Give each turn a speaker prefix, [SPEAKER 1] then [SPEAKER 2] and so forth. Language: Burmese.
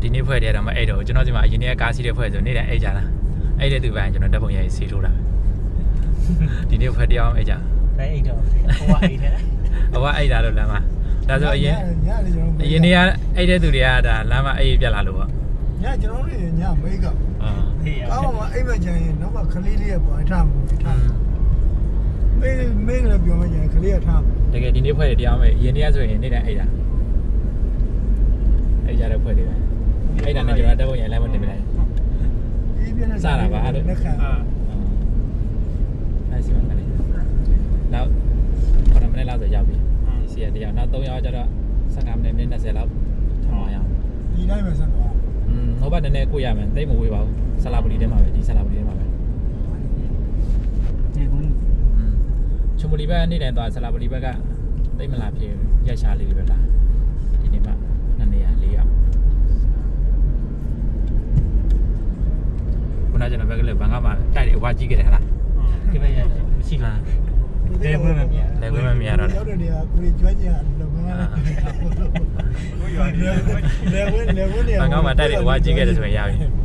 [SPEAKER 1] ဒီနေ့ဖွဲ့တယ်တော့မအဲ့တော့ကျွန်တော်ဒီမှာအရင်နေ့ကားစီးတဲ့ဖွဲ့ဆိုနေ့တိုင်းအိတ်ကြလားအဲ့တဲ့သူပိုင်းကျွန်တော်တက်ပုံရရေးစီထိုးတာဒီနေ့ဖွဲ့တရားအိတ်ကြ
[SPEAKER 2] ได้အိတ်တော့ဟိုကအိတ်ထဲ
[SPEAKER 1] ဟိုကအိတ်တာတော့လမ်းမှာဒါဆိုအရင်နေ့ကအိတ်တဲ့သူတွေကဒါလမ်းမှာအိတ်ပြက်လာလို့ပေါ့
[SPEAKER 3] ညကျွန်တော်တို့ညမိတ်က
[SPEAKER 2] ဟေး
[SPEAKER 3] ကောင်းမှအိမ်မကြရင်တော့ခလေးလေးကပေါ်ထားမှာထားမေးလည်းပြောမှကြရင်ခလေးကထားမှာ
[SPEAKER 1] တကယ်ဒီနေ့ဖွဲ့တရားမယ်အရင်နေ့ကဆိုရင်နေ့တိုင်းအိတ်တာအိတ်ကြတဲ့ဖွဲ့တွေပဲအိတ်တာနဲ့ကျွန်တော်တက်ပုံရလမ်းမတင်ပြလိုက်
[SPEAKER 3] ဒီပြနေလက်ခံ
[SPEAKER 1] အဲ့စီမံကလေးနောက်9မိနစ်လောက်ဆိုရောက်ပြီဒီစီရတရားနောက်3ရောက်ကျတော့15မိနစ်20လောက်ထောင်းအောင်
[SPEAKER 3] ဒီတိုင်းပဲဆက်သွား
[SPEAKER 1] ဟိုဘက်နည်းနည်းကိုရမယ်တိတ်မဝေးပါဘူးဆလာပလီထဲမှာပဲဒီဆလာပလီထဲမှာပဲ
[SPEAKER 2] ဒီကွန်း
[SPEAKER 1] ချုံပလီဘက်နေ့တိုင်းသွားဆလာပလီဘက်ကတိတ်မလာဖြစ်ရက်ရှာလေးတွေပဲလားဒီနေ့မှ2နေရာ4ရောက်ခုနကကျွန်တော်ဘက်ကလည်းဘန်ကမှာတိုက်တယ်အဝါကြီးခဲ့တယ်ဟလား
[SPEAKER 2] ဒီဘက်ရတယ်မရှိလားလေဘယ်မှာမြင်
[SPEAKER 1] လည်းဝဲမမြင်ရတော့
[SPEAKER 3] ရောက်တဲ့နေရာကိုကျွမ်းကြရလုံငန်းကိုရွာနေလေဝင်းနေ
[SPEAKER 1] ဘန်ကမှာတိုက်တယ်အဝါကြီးခဲ့တယ်ဆိုရင်ရပြီ